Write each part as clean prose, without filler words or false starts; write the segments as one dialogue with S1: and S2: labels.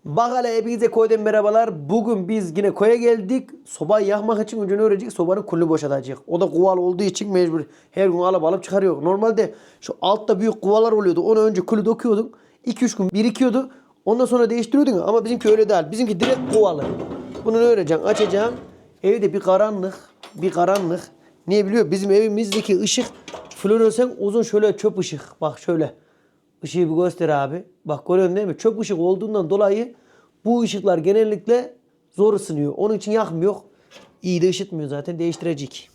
S1: Bak hele hepinize koydan merhabalar. Bugün biz yine koya geldik. Sobayı yakmak için önce ne öğrenecek? Sobanın kulunu boşaltacak. O da kuval olduğu için mecbur. Her gün alıp çıkarıyor. Normalde şu altta büyük kuvalar oluyordu. Onu önce kulü dokuyordun. 2-3 gün birikiyordu. Ondan sonra değiştiriyordun. Ama bizimki öyle değil. Bizimki direkt kuvalı. Bunu ne öğreneceksin? Açacaksın. Evde bir karanlık. Niye biliyor? Bizim evimizdeki ışık floresan uzun şöyle çöp ışık. Bak şöyle. Işığı bir göster abi. Bak görüyorsun değil mi? Çöp ışık olduğundan dolayı bu ışıklar genellikle zor ısınıyor. Onun için yakmıyor. İyi de ışıtmıyor zaten. Değiştirecek.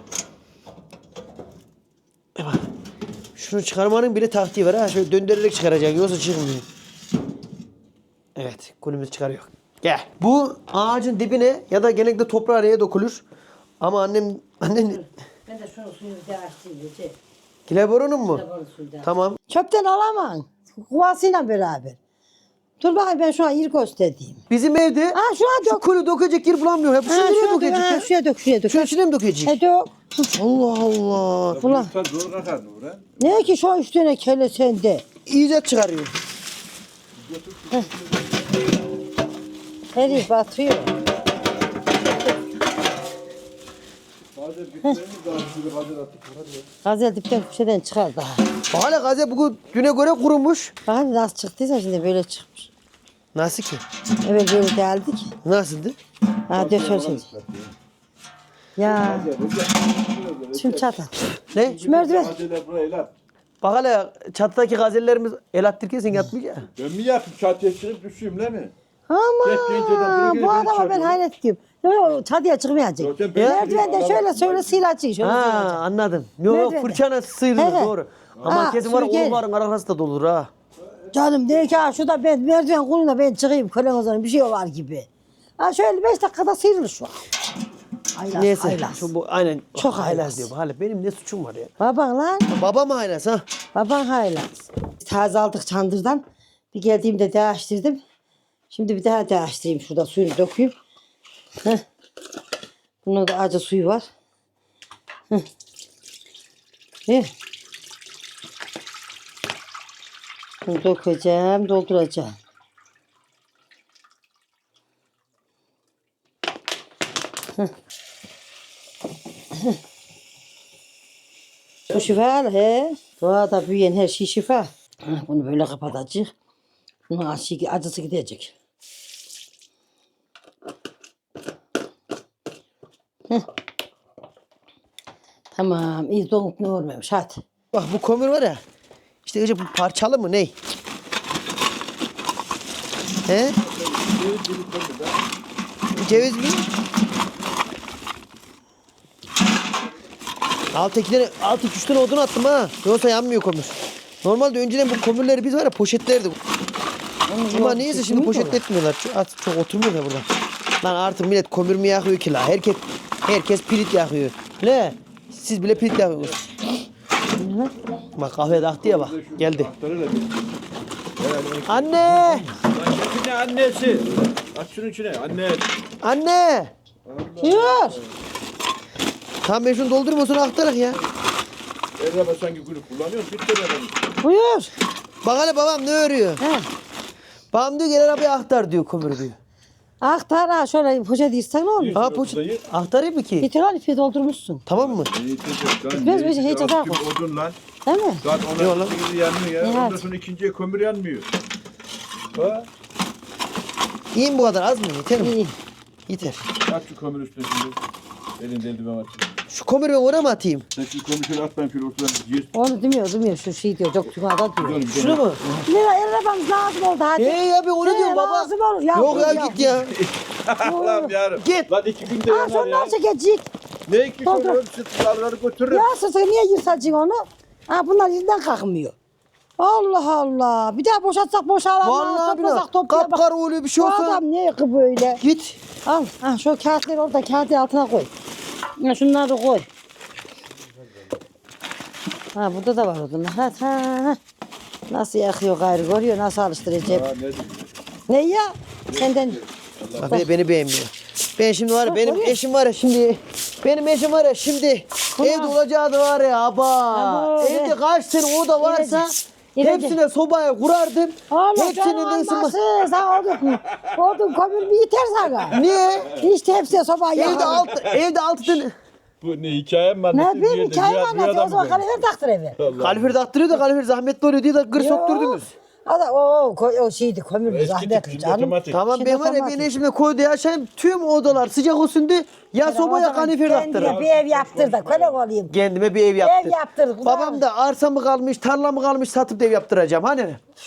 S1: Bak. Şunu çıkarmanın bile taktiği var ha. Şöyle döndürerek çıkaracaksın. Yoksa çıkmıyor. Evet. Kolumuzu çıkarıyor. Gel. Bu ağacın dibine ya da genellikle toprağa araya dokulur. Ama annem...
S2: Ben de şunu suyunu bir daha açtım.
S1: Kileborunun mu?
S2: Kileborun suyu da.
S1: Tamam.
S2: Çöpten alamam. Kuvasıyla beraber. Dur bakayım ben şu an yer göstereyim.
S1: Bizim evde
S2: Ha şu an
S1: şu
S2: dök.
S1: kulü dökecek yer bulamıyor. Hep
S2: Ha,
S1: şuraya dökecek
S2: ha,
S1: ya.
S2: şuraya dök, şuraya dök.
S1: Şunun içine mi dökecek?
S2: He dök.
S1: Allah Allah.
S2: Ulan.
S3: Zor akar Nurhan.
S2: Ne ki şu üstüne kele sende.
S1: İyice çıkarıyor.
S2: Herif batıyor.
S3: Bazen bitlerini daha şöyle bazen attık.
S2: Gazel dipten köşeden çıkar daha.
S1: Hala gaze bugün düne göre kurumuş.
S2: Bak hadi nasıl çıktıysa şimdi böyle çıkmış.
S1: Nasıl ki?
S2: Evet böyle geldik.
S1: Nasıldı?
S2: Ha döşer şimdi. Ya. Şimdi çatal.
S1: Ne?
S2: Şu merdiven.
S3: Gazeler buraya el at.
S1: Bak hala çatıdaki gazellerimiz el attırırken sen yatmayacaksın.
S3: Ben mi yapayım çatıya çıkıp düşeyim la mi?
S2: Ama bu adama ben hayret ediyorum. Yok çatıya çıkmayacak.
S3: Zaten ben-
S2: Merdivende şöyle sıyılacak. Şöyle
S1: Ha
S2: sıyılacak.
S1: anladım. Yok
S2: Merdivende.
S1: fırçana sıyrılır
S2: Evet.
S1: doğru. Ama
S2: Ha,
S1: kesin var
S2: sürgen.
S1: oğulların arası da dolur ha.
S2: Canım de ki ha şurada ben merdiven kuluna ben çıkayım kölen o zaman bir şey var gibi. Ha şöyle 5 dakikada sıyrılır şu an. Haylaz,
S1: Neyse.
S2: haylaz.
S1: Şu bu aynen.
S2: Çok haylaz.
S1: haylaz diyor. Hala benim ne suçum var ya?
S2: Baban lan.
S1: Baba mı haylaz ha?
S2: Baban haylaz. Taze aldık çandırdan. Bir geldiğimde değiştirdim. Şimdi bir daha değiştireyim. Şurada suyunu dökeyim. Heh. Bunun da acı suyu var. Heh. Ver. Bunu dökeceğim, dolduracağım. Heh. Heh. Bu şifa he. Doğada büyüyen her şey şifa. Heh, bunu böyle kapatacak. Bunun acısı gidecek. Heh. Tamam, iyi donup ne olmamış hadi.
S1: Bak bu kömür var ya. İşte önce bu parçalı mı ne? He? Ceviz mi? Altı 3 tane odun attım ha. Yoksa yanmıyor kömür. Normalde önceden bu kömürleri biz var ya poşetlerdik. Ama neyse şimdi poşetletmiyorlar. Çok oturmuyor ya burada. Lan artık millet kömür mü yakıyor ki la? Herkes pirit yakıyor. Ne? Siz bile pirit yakıyorsunuz. Bak kahve taktı ya bak. Geldi. Anne!
S3: İçine annesi. Aç şunun içine anne.
S1: Anne!
S2: Yürü.
S1: Tamam ben şunu doldurayım o sonra aktarak ya.
S3: Erraba sanki gülü kullanıyor. Bitti ben.
S2: Buyur.
S1: Bak hele babam ne örüyor?
S2: He.
S1: Babam diyor gel arabaya aktar diyor kömür diyor.
S2: Aktar ha şöyle poşet yırtsak ne olur?
S1: Ha poşet. Aktarayım mı ki?
S2: Bitir lan ipi doldurmuşsun.
S1: Tamam mı?
S2: Bitmez bir şey, hiç atar mı?
S3: Odun lan.
S2: Değil mi?
S3: Zaten ona ikisi yanmıyor ya.
S2: Evet.
S3: Ondan sonra ikinciye kömür yanmıyor. Ha?
S1: İyi mi bu kadar az mı? Yeter mi?
S2: İyi.
S1: Yeter.
S3: At şu kömür üstüne şimdi. Elinde eldiven at.
S1: Şu kömürü ben oraya mı atayım?
S3: Sen şu kömür şöyle at ben şöyle ortadan yiyir.
S2: Onu demiyor şu şey diyor döktüğüm ada diyor.
S1: Şunu mu?
S2: Lira arabamız lazım oldu hadi.
S1: Ya ben onu diyorum baba.
S2: Lazım olur ya.
S1: Yok ya git ya.
S3: Allah'ım yarım.
S1: Git.
S3: Lan 2 günde
S2: Ha
S3: yanar
S2: sonra
S3: ya.
S2: çekecek.
S3: Ne iki
S2: Doldur.
S3: kömür sırtlarları götürür.
S2: Ya sırtı niye yırtacaksın onu? Ha bunlar yerinden kalkmıyor. Allah Allah. Bir daha boşaltsak boşalamaz.
S1: Vallahi
S2: Toplasak
S1: billahi.
S2: toplayamaz.
S1: Kapkara oluyor bir şey
S2: Bu
S1: olsa.
S2: adam ne ki böyle?
S1: Git.
S2: Al. Ha şu kağıtları orada kağıtın altına koy. Ya şunları koy. Ha burada da var odunlar. Ha. Nasıl yakıyor gayrı görüyor nasıl alıştıracak.
S3: Ha, ne diyor?
S2: Ne ya? Senden.
S1: Bak beni beğenmiyor. Ben şimdi var ya benim
S2: oraya.
S1: eşim var ya şimdi. Benim eşim var ya şimdi.
S2: Ulan.
S1: Evde olacağı da var ya aba.
S2: Abo,
S1: Evde kaç tane oda varsa Hepsine sobaya kurardım.
S2: Oğlum
S1: Hepsinin
S2: canım
S1: de ısınma.
S2: olmasın. Sen odun kömür mü yeter sana?
S1: Niye?
S2: İşte hepsine soba yakalım.
S1: Evde altı tane.
S3: Bu ne hikaye mi
S2: Ne
S3: anlatıyor?
S2: bileyim hikaye anlatıyor. O zaman kalifer taktır eve.
S1: Kalifer taktırıyor da kalifer zahmetli oluyor diye de gır sokturdunuz.
S2: O şeydi kömür zahmetli canım.
S1: Tamam
S2: Şimdi
S1: ben var ya
S2: otomatik.
S1: ben eşimle koyda yaşayayım tüm odalar sıcak olsun diye ya soba ya kalifer
S2: Kendine
S1: taktırın.
S2: bir ev yaptır da köle olayım.
S1: Kendime bir ev yaptır.
S2: Ev yaptır.
S1: Babam da arsa mı kalmış tarla mı kalmış satıp da ev yaptıracağım hani.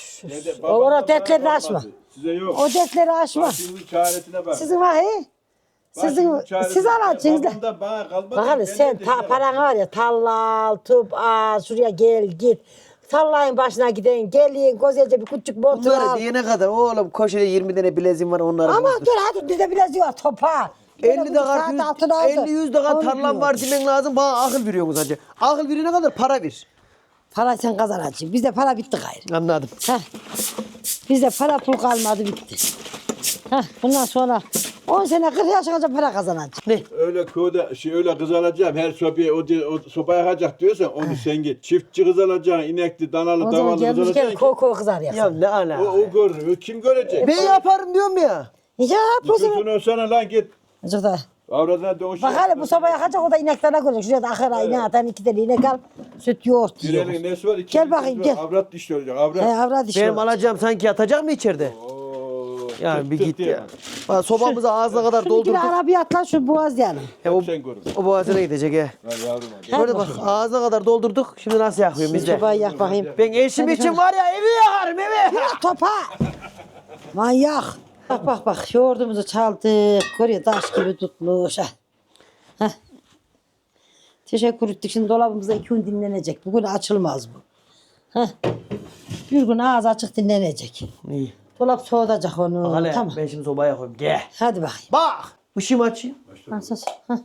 S2: O dertlerini açma.
S3: Size yok.
S2: O dertleri aşma.
S3: Başımın çaresine bak.
S2: Sizin var he? Siz alacaksınız da.
S3: Babam da bana kalmadı.
S2: Bakalım
S3: Ben
S2: sen
S3: de işte-
S2: paran var ya tallal, tup, şuraya gel git. Tallayın başına gidin, gelin, güzelce bir küçük motor
S1: Bunları
S2: al.
S1: diyene kadar oğlum koşuda 20 tane bileziğim var onları.
S2: Ama
S1: bozdur.
S2: dur hadi bizde biraz var topa.
S1: 50 dakika 50-100 dakika tarlam var demen lazım bana akıl veriyorsunuz hacı. Akıl verene kadar para ver.
S2: Para sen kazanacaksın. Bizde para bitti gayrı.
S1: Anladım.
S2: Heh. Bizde para pul kalmadı bitti. Heh. Bundan sonra 10 sene 40 yaşa kadar para kazanacaksın.
S1: Ne?
S3: Öyle köyde öyle kız alacağım. Her sobaya o soba yakacak diyorsan onu sen git. Çiftçi kız alacaksın. İnekli, danalı,
S2: O zaman
S3: davalı kız
S2: gelmişken
S3: alacaksın.
S2: koku kızar
S1: Ya
S2: ya.
S1: ne ala.
S3: O görür. Kim görecek?
S1: Ben yaparım diyorum ya.
S2: Ya bu sefer.
S3: Nüfusunu sana lan git.
S2: Azıcık da.
S3: Avradına dönüş.
S2: Bak hele bu sabah yakacak o da ineklerine görecek. Şuraya da ahıra inek atan 2 tane inek al. Süt yoğurt
S3: Bir
S2: yiyor.
S3: elin nesi var? İki
S2: Gel
S3: elin
S2: bakayım,
S3: nesi var?
S2: gel.
S3: Avrat dişli olacak.
S2: He
S3: Avrat.
S2: avrat işi
S1: Benim
S2: var.
S1: alacağım sanki yatacak mı içeride?
S3: Oo,
S1: Ya
S3: tık
S1: bir
S3: tık
S1: git
S3: diye
S1: ya.
S3: bak.
S1: Bak, sobamızı ağzına kadar
S2: Şunu bir
S1: doldurduk.
S2: arabaya at lan şu boğaz yani.
S1: Ya o,
S3: Sen görün.
S1: o boğazına gidecek he.
S3: Lan yavrum hadi.
S1: Böyle bak ağzına kadar doldurduk. Şimdi nasıl yakıyorum
S2: Bir
S1: biz de?
S2: sobayı yak bakayım.
S1: Ben eşim için var ya evi yakarım evi.
S2: Ya topa. Manyak. Bak yoğurdumuzu çaldık. Koruyor taş gibi tutmuş. Heh. Teşekkür ettik. Şimdi dolabımızda 2 gün dinlenecek. Bugün açılmaz bu. Heh. Bir gün ağız açık dinlenecek.
S1: İyi.
S2: Dolap soğutacak onu.
S1: Bak hele
S2: Tamam.
S1: ben şimdi sobaya koyayım. Gel.
S2: Hadi bakayım.
S1: Bak. Işığımı açayım.
S2: Heh.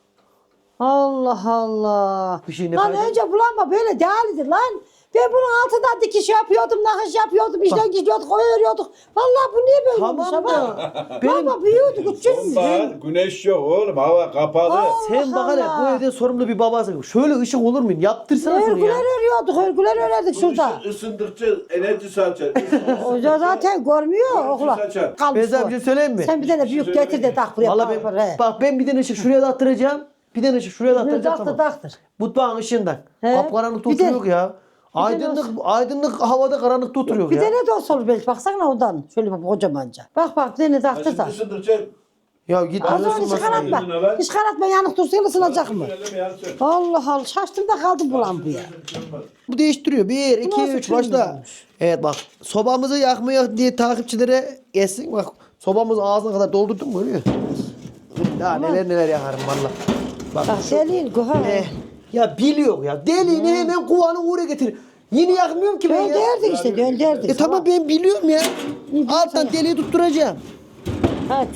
S2: Allah Allah.
S1: Bir şey ne
S2: Lan
S1: fayda?
S2: önce bulanma böyle değerlidir lan. Ben bunun altından dikiş yapıyordum, nakış yapıyordum, işten gidiyorduk, koyuyorduk. Vallahi bu niye böyle olmuş
S1: Tamam
S2: ama?
S1: da benim
S2: Baba büyüyordu, küçüldü.
S3: Sonbahar güneş yok oğlum. Hava kapalı.
S1: sen bak hele
S2: Allah.
S1: bu evde sorumlu bir babasın. Şöyle ışık olur mu? Yaptırsana şunu ya.
S2: Örgüler örüyorduk, örgüler örerdik şurada.
S3: Isındıkça enerji saçar.
S2: O da zaten görmüyor okula.
S3: saçar.
S2: Kalmış
S1: Ben sana bir
S2: o.
S1: şey söyleyeyim mi?
S2: Sen bir tane büyük getir de tak buraya.
S1: Vallahi ben, bak ben bir tane ışık şuraya da attıracağım. Bir tane ışık şuraya da attıracağım.
S2: Taktır
S1: Tamam.
S2: taktır.
S1: Mutfağın ışığından.
S2: He.
S1: Kapkaranlıkta
S2: Bir de-
S1: oturuyor ya. Aydınlık havada karanlıkta oturuyor
S2: Bir
S1: ya.
S2: tane de olsa olur belki baksana ondan. Şöyle bir kocamanca. Bak bir tane taktır da.
S3: Isındıkça
S1: Ya git
S2: Az
S1: anasını
S2: önce hiç
S1: basın.
S2: karartma. Hiç karartma yanık dursun ısınacak mı?
S3: eleme yansın.
S2: Allah Allah şaştım da kaldım bulan bu ya.
S1: Bu değiştiriyor. 1, 2,
S2: nasıl
S1: 3 başla.
S2: kırmızıymış?
S1: Evet bak. Sobamızı yakmıyor diye takipçilere gelsin. Bak sobamızı ağzına kadar doldurdum mu görüyor. Ya neler yakarım valla. Bak.
S2: Bak delil guha.
S1: Ya biliyor ya. Deliğini hemen kovanı uğra getir. Yine yakmıyorum ki ben ya.
S2: Dönderdik işte dönderdik.
S1: Tamam ben biliyorum ya. Alttan deliği tutturacağım.
S2: Hadi.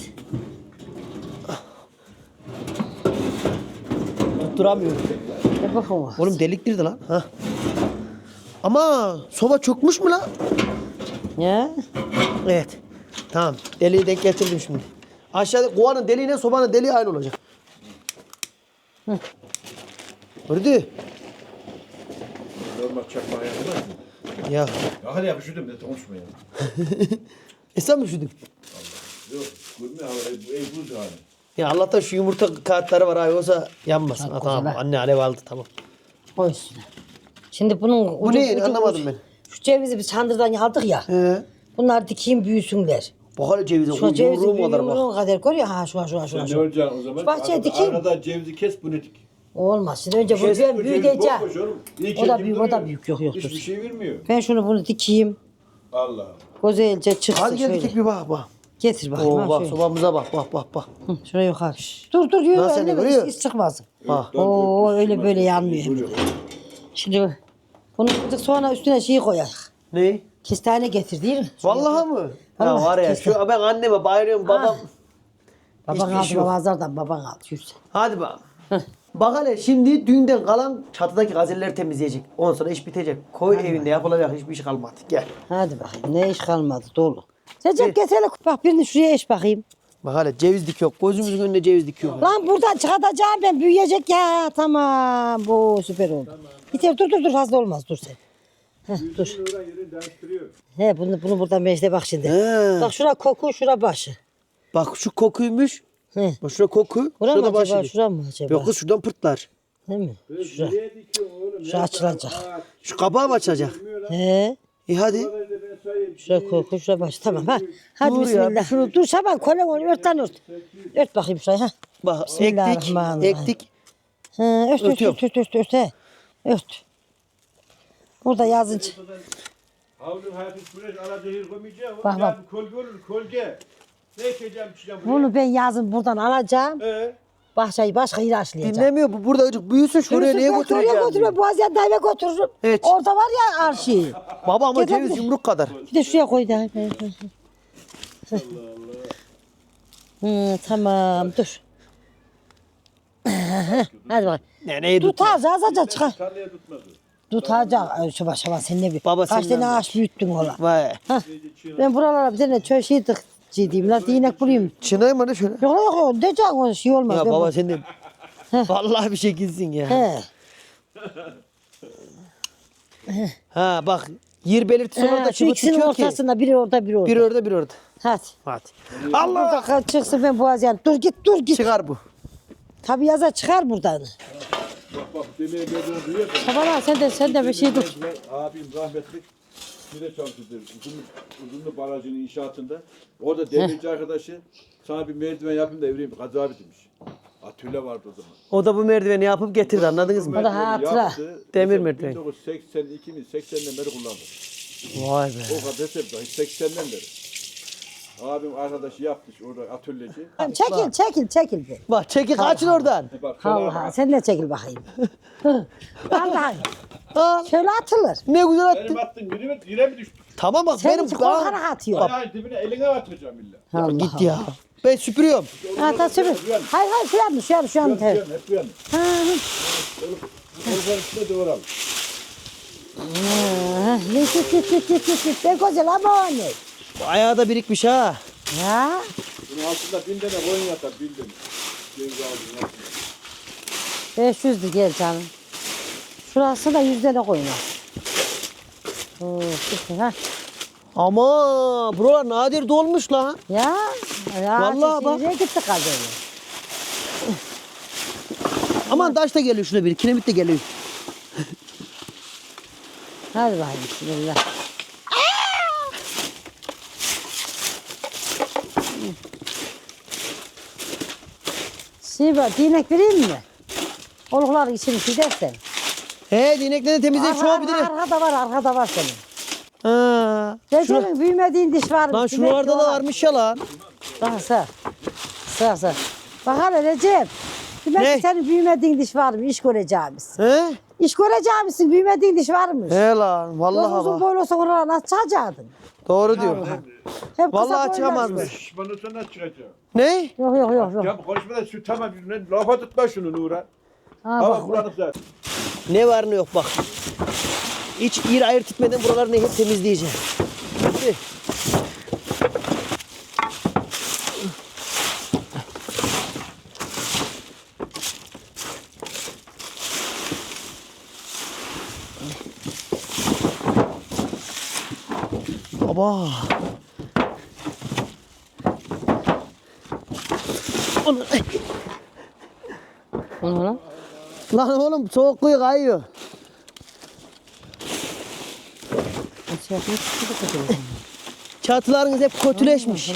S1: Tutturamıyorum.
S2: Ne bakın.
S1: Oğlum deliktirdi lan. Ha. Ama soba çökmüş mü lan?
S2: Ya.
S1: Evet. Tamam. Deliği denk getirdim şimdi. Aşağıda kovanın deliğine sobanın deliği aynı olacak. Gördü.
S3: Normal çakmağa yapılmaz mı?
S1: Ya.
S3: Ya hadi ya üşüdüm de konuşma ya.
S1: Sen mi üşüdün?
S3: Yok. Gülme hava. Bu ev buz yani.
S1: Ya Allah'tan şu yumurta kağıtları var abi olsa yanmasın.
S2: Hadi
S1: Ha, tamam.
S2: güzel.
S1: Anne alev aldı tamam.
S2: Koy üstüne. Şimdi bunun
S1: Bu ne? Anlamadım ben.
S2: Şu cevizi biz çandırdan aldık ya.
S1: He.
S2: Bunlar dikeyim büyüsünler.
S1: Bak hele cevize.
S2: Şu cevizi
S1: Yumruğum kadar bak.
S2: büyüğünün kadar görüyor ha şu.
S3: Sen ne olacaksın o zaman?
S2: Şu bahçeye
S3: Arada-
S2: dikeyim.
S3: Arada cevizi kes bunu dik.
S2: Olmaz. Şimdi önce bunu
S1: Kes,
S2: ben
S3: Bu ceviz
S2: büyüteceğim.
S3: bomboş oğlum. İyi
S2: O da
S3: kendim
S2: büyük, o da
S3: duruyor.
S2: büyük. Yok,
S3: Hiçbir
S2: dur.
S3: şey vermiyor.
S2: Ben şunu bunu dikeyim.
S3: Allah.
S2: Güzelce çıksın
S1: Al gel
S2: şöyle.
S1: dikik bir bak bak.
S2: Getir bakayım.
S1: Oo
S2: ha
S1: bak
S2: şöyle.
S1: sobamıza bak bak bak.
S2: Hı, şuraya yukarı. Dur yürü.
S1: Nasıl
S2: Öyle
S1: görüyor?
S2: hiç çıkmaz.
S1: Bak.
S2: Oo öyle böyle yanmıyor. Hemen. Şimdi bunu yaptık sonra üstüne şey koyak.
S1: Ne?
S2: Kestane getir değil mi?
S1: Vallahi mı? Ya
S2: Vallahi
S1: var ya
S2: kesin.
S1: şu ben anneme bayılıyorum babam.
S2: Baban
S1: Hiçbir
S2: aldı
S1: şey yok.
S2: babazlardan baban aldı. Yürüsen.
S1: Hadi bak. Bak hele şimdi düğünden kalan çatıdaki gazelleri temizleyecek. Ondan sonra iş bitecek. Koy evinde yapılacak hiçbir şey kalmadı. Gel.
S2: Hadi bakayım ne iş kalmadı dolu. Recep getir hele bak birini şuraya eş bakayım.
S1: Bak hele ceviz dikiyor. Gözümüzün önünde ceviz dikiyor.
S2: Lan buradan çıkartacağım ben büyüyecek ya. Tamam bu süper oldu. Tamam. Yeter dur fazla olmaz dur sen. Dur.
S3: Oradan yerini değiştiriyor.
S2: He bunu buradan mecde bak şimdi.
S1: He.
S2: Bak şura koku, şura başı.
S1: Bak şu kokuymuş.
S2: He.
S1: Bak şurada koku.
S2: Bura mı
S1: Şurada
S2: acaba,
S1: başı.
S2: şura mı acaba?
S1: Yok kız şuradan pırtlar.
S2: Değil mi? Şura.
S3: Nereye dikiyor oğlum?
S2: Şu açılacak.
S1: Şu kapağı mı açacak?
S2: He.
S1: İyi hadi.
S3: Ben sayayım.
S2: Şura koku, şura başı. Tamam ha. Hadi
S1: Dur ya,
S2: bismillah. Şunu dur Şaban, kolen onu ört lan ört. Ört bakayım şurayı ha.
S1: Bak ektik.
S2: Bismillahirrahmanirrahim.
S1: Ektik.
S2: He, ört
S1: Örtüyorum.
S2: ört he. Ört. Burada yazınca.
S3: Havlum hafif güneş alacağız koymayacağım.
S2: Bak, bak.
S3: Ya kolge olur kolge. Ne içeceğim içeceğim buraya.
S2: Bunu ben yazın buradan alacağım. Bahçeyi başka yere aşlayacağım.
S1: Dinlemiyor bu burada acık büyüsün şuraya niye
S2: Oraya
S1: götüreceğim?
S2: götürme. Boğazıyan dayıma götürürüm.
S1: Evet.
S2: Orada var ya arşiv.
S1: Baba ama
S2: Gel,
S1: ceviz
S2: gel.
S1: yumruk kadar.
S2: Bir de şuraya koy da. Tamam dur. Hadi bak.
S1: Neyi tut?
S2: Tutacağız azıcık çıkar.
S3: Tarlaya tutmadı.
S2: Tutacak. Şaba şaba sen ne bir.
S1: Baba,
S2: Kaç
S1: senden
S2: tane
S1: de.
S2: ağaç büyüttün ola.
S1: Vay.
S2: Ben buralara bir tane çöl şey tıkçıydım. Lan inek bulayım.
S1: Çınayım mı ne şöyle?
S2: Yok yok diyeceksin o şey olmaz.
S1: Ya
S2: Ben
S1: baba
S2: bu-
S1: sen de vallahi bir şekilsin ya.
S2: He.
S1: Ha bak yer belirtisi orada
S2: Şu
S1: çıkıyor
S2: ikisinin
S1: ki.
S2: ortasında biri orada biri orada.
S1: Bir orada bir orada.
S2: Hadi.
S1: Hadi.
S2: Allah. Burada çıksın ben boğazıyan. Dur git.
S1: Çıkar bu.
S2: Tabii yaza çıkar buradan.
S3: Bak demeye geldiğini duyuyor musun?
S2: Şaban sen de bir şey dur.
S3: Abim rahmetli Mire çalıştı. Uzunlu barajının inşaatında. Orada demirci arkadaşı sana bir merdiven yapayım da evireyim. Kaza abi demiş. Atölye vardı o zaman.
S1: O da bu merdiveni yapıp getirdi anladınız mı?
S2: O da hatıra.
S3: Yaptı.
S1: Demir
S3: Mesela
S1: merdiven.
S3: 1982 mi 80'den beri kullandı.
S1: Vay be.
S3: O kadar hep dahi 80'den beri. Abim arkadaşı yapmış orada atölyeci.
S2: Çekil bir.
S1: Bak çekil kaçın oradan.
S3: Bak şöyle
S2: Allah sen de çekil bakayım. Vallahi
S1: Ha,
S2: şöyle atılır.
S1: ne güzel attın.
S3: benim attığım yere mi düştü?
S1: Tamam bak
S2: Senin
S1: benim
S2: için korkarak atıyor.
S3: Ayağın dibine eline atacağım illa.
S2: Allah
S1: Git ya. Ben süpürüyorum.
S2: Ha ta sürün. Hayır şu an.
S3: Hep bu yana.
S2: Ha,
S3: Kolların üstüne doğralım.
S2: Git. Ne güzel ama o ne?
S1: Bu ayağı da birikmiş ha.
S2: Ya.
S3: Bunun altında 1000 tane koyun yatar 1000 tane. Ceviz ağacının altında.
S2: 500'dü gel canım. Şurası da 100 tane koyun var. İşte ha.
S1: Ama buralar nadir dolmuş lan.
S2: Ya.
S1: Vallahi bak.
S2: Nereye gitti kadın?
S1: Aman taş da geliyor şuna bir. Kiremit de geliyor.
S2: Hadi bakayım bismillah. Şey var, dinek vereyim mi? Oluklar içini gidersen.
S1: He dinekleri temizle çoğu bir de.
S2: Arkada var senin.
S1: Ha.
S2: Recep'in büyümediğin diş var mı?
S1: Lan şuralarda da varmış ya lan.
S2: Bak sağ. Bak hele Recep. Demek
S1: Ne?
S2: ki senin büyümediğin diş var mı? İş göreceğimiz.
S1: He?
S2: İş göreceğimizsin, büyümediğin diş varmış.
S1: He lan vallahi
S2: Uzun
S1: bak.
S2: boylu olsa oralara nasıl çıkacaktın?
S1: Doğru diyor.
S2: Hep
S1: Vallahi
S2: kısa boylu
S1: çıkamazmış.
S2: olmuş.
S3: Şş, bana sonra çıkacağım.
S1: Ne?
S2: Yok.
S3: Ya bu konuşmadan şu tamam lafa tutma şunu Nura.
S2: Ha,
S3: Hava
S2: bak,
S3: bulanık zaten.
S1: Ne var ne yok bak. Hiç yer ayırt etmeden buralarını hep temizleyeceğim. Hadi. Baba. Onu-
S2: Onu lan.
S1: Lan oğlum soğukluğu kayıyor. Çatılarınız hep kötüleşmiş.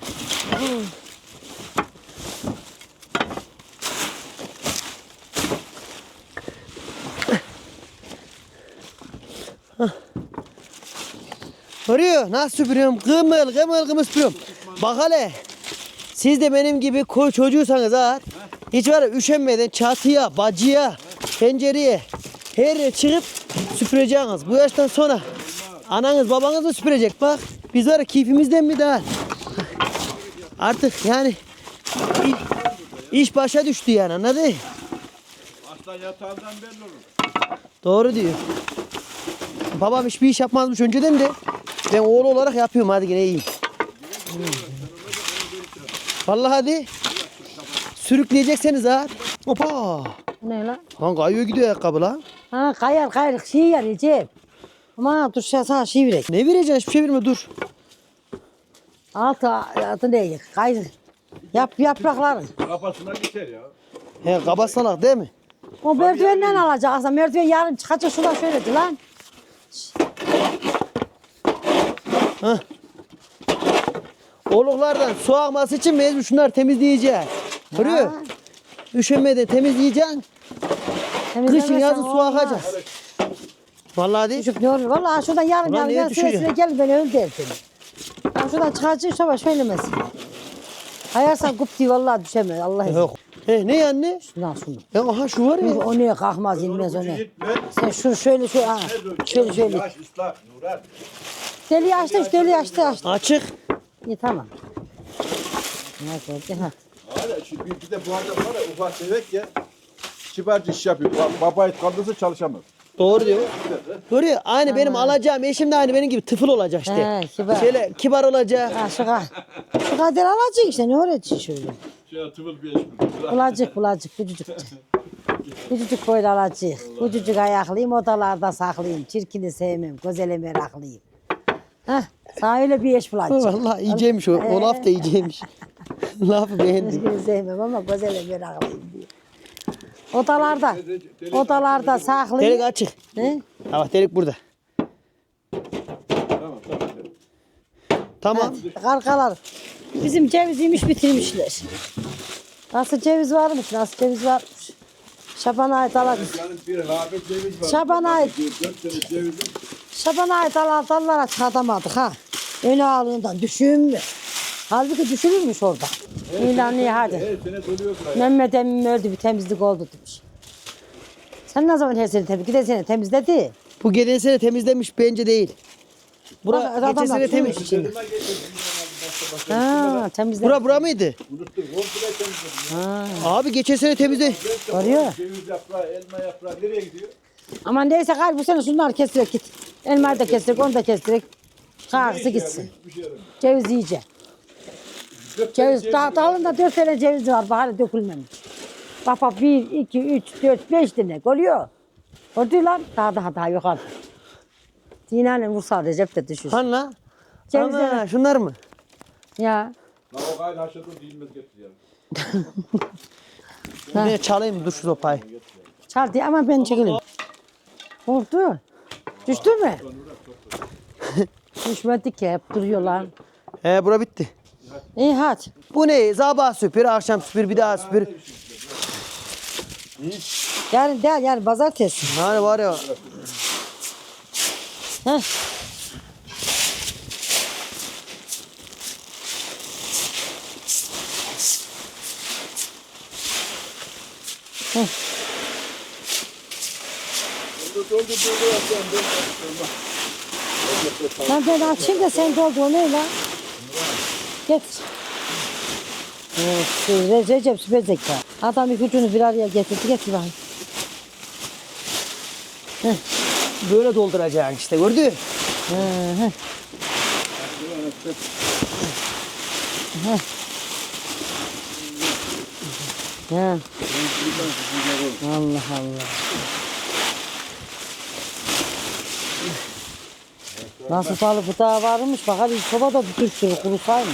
S1: Görüyor nasıl süpürüyorum? Kımıl süpürüyorum. Bak hele. Siz de benim gibi koy çocuğuysanız ha. Hiç var ya üşenmeden çatıya, bacıya, pencereye her yere çıkıp süpüreceksiniz. Bu yaştan sonra ananız babanız da süpürecek bak. Biz var ya keyfimizden mi daha? Artık yani iş başa düştü yani anladın?
S3: Aslan yatağından belli olur.
S1: Doğru diyor. Babam hiçbir iş yapmazmış önceden de ben oğlu olarak yapıyorum hadi yine iyiyim. Vallahi hadi. Sürükleyecekseniz ha. Hoppa.
S2: Ne lan?
S1: Lan kayıyor gidiyor ayakkabı lan.
S2: Ha kayar şey ya Recep. Ama dur sana şey verek.
S1: Ne vereceksin? Hiçbir şey verme dur.
S2: Altı ne? Gayrı. Yaprakları.
S3: Kafasına geçer ya.
S1: He kabasalak değil mi?
S2: O merdivenden alacak aslında. Merdiven yarın çıkacak şuradan şöyledi lan.
S1: Oluklardan su akması için mecbur şunları temizleyeceğiz. Görüyor? Üşenmeden temizleyeceksin. Kışın yazın su akacak. Vallahi değil.
S2: Çocuk ne olur? Vallahi şuradan yarın
S1: Ulan niye
S2: yarın
S1: düşüyor?
S2: süre gel beni öl dersin. Ben şuradan çıkacak savaş söylemesin. Hayarsan kup diye vallahi düşemez. Allah izin.
S1: Yok. He ne anne?
S2: Şundan şunu.
S1: Ya aha şu var ya.
S2: O neye kalkmaz inmez o ne. Sen şunu şöyle ha. Şöyle.
S3: Yaş ıslak Nuran.
S2: Deli açtı.
S1: Açık.
S2: İyi tamam. Ne oldu ha?
S3: Hala şimdi bir de bu adam var ya ufak tefek ya. Kibarca iş yapıyor. Babayı kaldırsa çalışamaz.
S1: Doğru diyor. Doğru ya. Aynı benim alacağım eşim de aynı benim gibi tıfıl olacak işte.
S2: He, kibar.
S1: Şöyle kibar olacak.
S2: Ha şu kadar alacak işte ne öğreteceksin şöyle.
S3: Şey tıvıl bir eş
S2: Bulacık küçücük. Küçücük böyle alacak. Küçücük ayaklıyım odalarda saklayayım. Çirkini sevmem. Gözele meraklıyım. Hah sana öyle bir eş bulacak.
S1: Vallahi iyiceymiş o. O laf da iyiceymiş. Lafı beğendim.
S2: Çirkini sevmem ama gözele meraklıyım diye. Odalarda saklayayım.
S1: Delik açık.
S2: He?
S1: Ha bak delik burada. Tamam.
S2: Karkalar. Bizim ceviziymiş bitirmişler. Nasıl ceviz varmış? Şaban'a ait alan.
S3: Yani bir habet ceviz var.
S2: Şaban'a ait.
S3: 4 tane ceviz.
S2: Şaban'a ait alan dallara çıkartamadık ha. Öne ağlığından düşün mü? Halbuki düşürürmüş orada. İlan iyi hadi.
S3: Her sene doluyor buraya.
S2: Mehmet emmim öldü bir temizlik oldu demiş. Sen ne zaman her sene temizledin? Giden sene temizledi.
S1: Bu geçen sene temizlemiş bence değil. Bura
S2: Bak,
S1: geçen
S2: adamlar
S1: sene temiz.
S2: sürmüş. Ha temizledi.
S1: Bura mıydı?
S3: Unuttum. Komple temizledim.
S1: Abi geçen sene temizle.
S2: Arıyor.
S3: Ceviz yaprağı, elma yaprağı nereye gidiyor?
S2: Ama neyse galiba bu sene şunları kestirek git. Elmayı da kestirek, onu da kestirek. Kahvesi gitsin.
S3: Hiçbir şey yaramıyor.
S2: Ceviz yiyecek. Ceviz daha dalında 4 tane ceviz var. Bahane dökülmemiş. Bak 1, 2, 3, 4, 5 tane. Görüyor. Gördü lan. Daha yok artık. Dinayla vursa Recep de düşür.
S1: Han la.
S2: Cevizler.
S1: Ana şunlar mı?
S2: Ya.
S3: Lan o gayet haşladım değilmez getir ya.
S1: Ne çalayım dur şu sopayı.
S2: Çal diye ama ben çekeyim. Oldu. Düştü mü? Düşmedi ki hep duruyorlar.
S1: He bura bitti.
S2: İyi hadi.
S1: Bu ne? Sabah süpür, akşam süpür, bir daha süpür.
S2: Yani pazartesi.
S1: Yani var ya.
S2: Heh. Lan ben açayım da sen doldur o ne lan? Getir. Evet, Recep süper zeka. Adam ipucunu bir araya getirdi. Getir bakayım.
S1: Böyle dolduracaksın işte gördün mü?
S2: Ha. Allah Allah. Nasıl balık bu daha varmış bak hadi soba da bir sürü kurusaymış.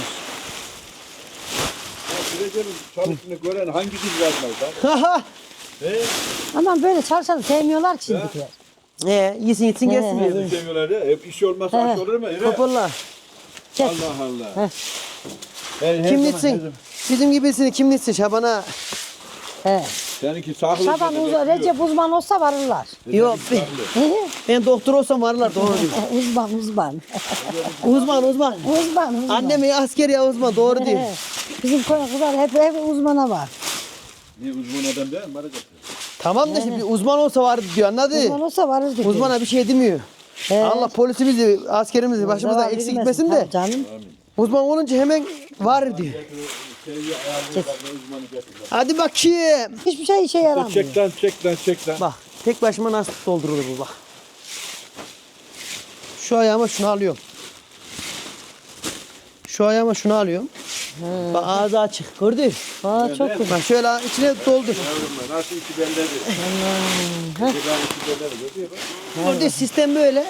S3: Recep'in çalıştığını gören hangisi yazmaz lan?
S2: Ama böyle çalışanı sevmiyorlar ki şimdikiler.
S1: Yesin gitsin gelsin diyor.
S3: Bizi seviyorlar ya. Hep iş olmazsa aş olur mu?
S1: Toparla.
S2: Çek.
S3: Allah Allah. Ben her
S1: Kim
S3: zaman-
S1: gitsin? Bizim gibisini kim gitsin Şaban'a?
S2: He.
S3: Seninki sağlıklı.
S2: Şaban Recep uzman olsa varırlar.
S1: Yok ben doktor olsam varlar doğru diyor.
S2: Uzman.
S1: Uzman. Annem ya asker ya uzman doğru diyor.
S2: He. Bizim kızlar hep uzmana var.
S3: Niye uzman adam değil mi? Varacak.
S1: Tamam da şimdi uzman olsa vardı diyor anladın?
S2: Uzman olsa varır diyor.
S1: Uzmana bir şey demiyor.
S2: He.
S1: Allah polisimizi, askerimizi başımızdan
S2: Zarar
S1: eksik
S2: vermesin,
S1: gitmesin de.
S2: tabii Canım.
S1: Uzman olunca hemen var diyor.
S3: Seviye ayarlıyorlar. Uzmanı getiriyor.
S1: Hadi bakayım.
S2: Hiçbir şey işe yaramıyor.
S3: Çek lan.
S1: Bak tek başıma nasıl doldurulur bu bak. Şu ayağıma şunu alıyorum. şu ayağıma şunu alıyorum. Bak ağzı açık. Gördün mü?
S2: Aa çok güzel.
S1: Bak şöyle içine doldur.
S3: Yavrum nasıl iki belledi?
S2: Heh.
S3: İki belledi. Görüyor bak.
S1: Gördün mü? Sistem böyle.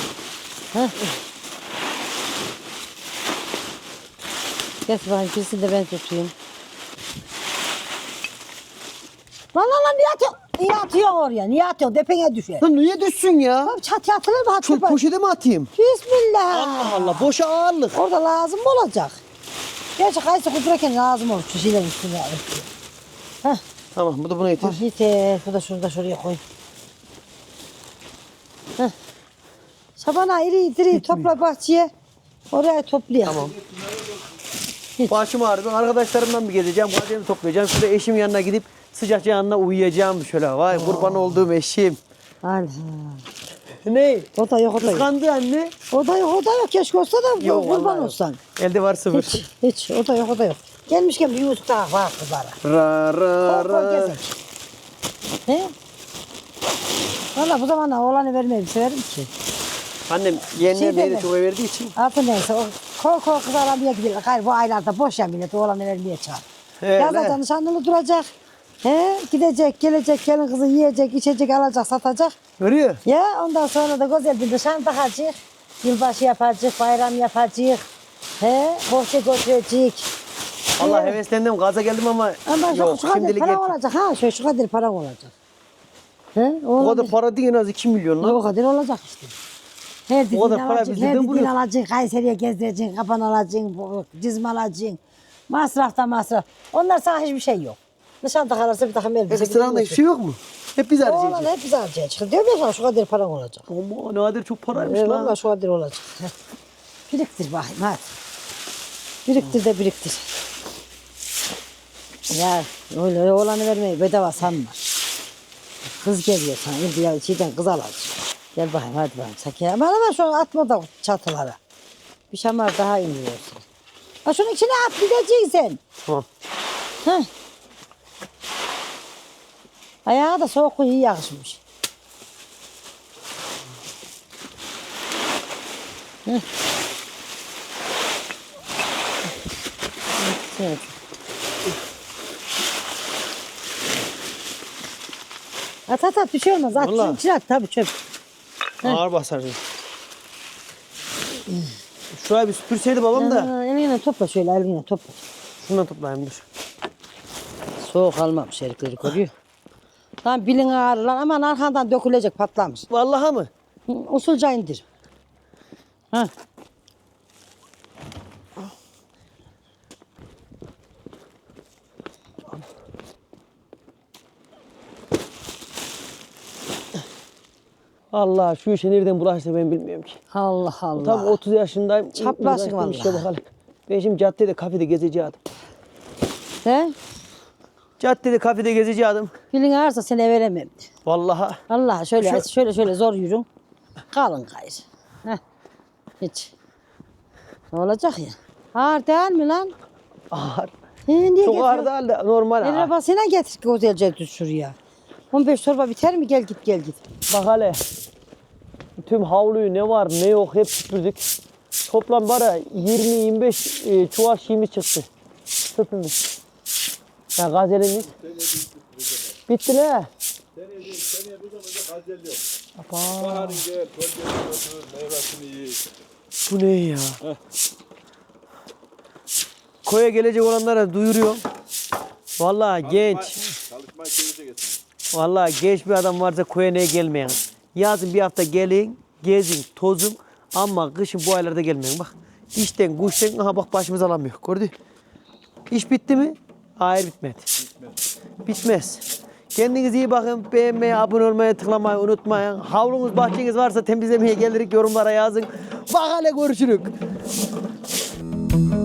S2: Getir bakayım birisini de ben tutayım. Lan niye atıyorsun? Niye atıyorsun oraya? Niye atıyorsun? Depene düşer.
S1: Lan niye düşsün ya?
S2: Tamam çatıya atılır mı?
S1: Şu
S2: Atıl bak.
S1: poşete mi atayım?
S2: Bismillah.
S1: Allah Allah boşa ağırlık.
S2: Orada lazım mı olacak? Gerçi kayısı kudururken lazım olur. Şu şeyler üstüne. Heh.
S1: Tamam bu da buna yeter.
S2: Ah, yeter. Bu da şurada şuraya koy. Heh. Şabana iri topla bahçeye. Oraya toplayalım.
S1: Tamam. Başım ağrıyor. Ben arkadaşlarımdan bir gezeceğim. Gazetemi toplayacağım. Şurada eşim yanına gidip sıcak yanına uyuyacağım şöyle. Vay kurban olduğum eşim.
S2: Allah.
S1: Ne?
S2: O da yok o da yok.
S1: Kıskandı anne.
S2: O da yok. Keşke olsa da
S1: Yok, vallahi
S2: kurban
S1: yok.
S2: olsan.
S1: Elde var sıfır.
S2: Hiç. O da yok. Gelmişken bir yumurta daha var kızlara.
S1: Ra ra
S2: Kol
S1: ra.
S2: gezek. He? Valla bu zamanlar oğlanı vermeyi severim ki.
S1: Annem yeğenler
S2: Şey
S1: neydi
S2: deme.
S1: çok verdiği için.
S2: Altı neyse o kol kız aramaya gidiyorlar. Hayır bu aylarda boş ya millet oğlanı vermeye çağır. Yazda nişanlılı duracak. He, gidecek, gelecek, gelin kızı yiyecek, içecek, alacak, satacak.
S1: Görüyor.
S2: Ya ondan sonra da güzel bir nişan takacak. Yılbaşı yapacak, bayram yapacak. He, bohça götürecek.
S1: Allah
S2: He.
S1: heveslendim gaza geldim ama
S2: Ama
S1: yok
S2: şu kadar
S1: şimdilik
S2: para
S1: yeter.
S2: olacak ha, şu kadar para olacak. He,
S1: O kadar para değil en az 2 milyon lan.
S2: O kadar olacak işte. Her dediğini
S1: kadar para
S2: alacaksın,
S1: bizde
S2: her
S1: de
S2: dediğini
S1: buluyor.
S2: alacaksın, Kayseri'ye gezdireceksin, kapan alacaksın, cizme alacaksın. Masraf da masraf. Onlar sana hiçbir şey yok. Nişan takarlarsa bir takım elbise.
S1: Ekstranda hiçbir şey yok mu? Hep biz
S2: Oğlan
S1: harcayacağız.
S2: hep bize harcayacak. Diyorum ya sana şu kadar paran olacak.
S1: Ama nadir çok paraymış
S2: Valla
S1: lan.
S2: şu kadar olacak. Heh. Biriktir bakayım hadi. Biriktir de biriktir. Ya öyle oğlanı vermeyi bedava sanma. Kız geliyor sana. Şimdi ya şeyden kız alacak. Gel bakayım hadi bakayım. Sakin. Ama şu atma da çatılara. Bir şamar daha iniyorsun. Ha şunun içine at gideceksin sen.
S1: Tamam.
S2: Heh. Ayağı da soğuk iyi yakışmış. Heh. Evet. At bir şey olmaz. At
S1: Vallahi.
S2: şunun içine at tabii çöp.
S1: Ağır basar. Şuraya bir süpürseydi babam da.
S2: Eline topla şöyle eline topla.
S1: Şundan toplayayım dur.
S2: Soğuk almamış herifleri koruyor. Lan bilin ağrı lan aman arkandan dökülecek patlamış.
S1: Vallahi mı?
S2: Usulca indir. Ha.
S1: Allah şu işe nereden bulaştı ben bilmiyorum ki.
S2: Allah Allah.
S1: Tabii 30 yaşındayım.
S2: Çaprazsın
S1: Uğraştım
S2: vallahi.
S1: işte bakalım. Ben şimdi caddede kafede gezeceğim.
S2: He?
S1: Caddede kafede gezeceğim.
S2: Bilin ağrısa seni veremem.
S1: Vallahi.
S2: Allah şöyle zor yürün. Kalın gayrı. Heh. Hiç. Ne olacak ya? Ağır değil mi lan?
S1: Ağır.
S2: Niye
S1: Çok ağır değil de normal
S2: El
S1: ağır.
S2: arabasıyla getir güzelce düz şuraya. 15 torba biter mi? Gel git.
S1: Bak hele. Tüm havluyu ne var ne yok hep süpürdük. Toplam bara 20-25 çuval şeyimiz çıktı. Sırtımız. Ya gazelimiz. Bitti ne?
S3: Seneye bu zamanda gazel yok. Baharın gel, kölgeni götür, meyvesini yiyin.
S1: Bu ne ya? Koya gelecek olanlara duyuruyorum. Vallahi genç.
S3: Çalışmayı keyifle getirin.
S1: Vallahi genç bir adam varsa koya neye gelmeyin. Yazın bir hafta gelin, gezin, tozun ama kışın bu aylarda gelmeyin. Bak işten, kuştan, aha bak başımız alamıyor. Gördün mü? İş bitti mi? Hayır bitmedi. Bitmez. Kendinize iyi bakın. Beğenmeyi, abone olmayı, tıklamayı unutmayın. Havlunuz, bahçeniz varsa temizlemeye gelirik yorumlara yazın. Bak hele görüşürük.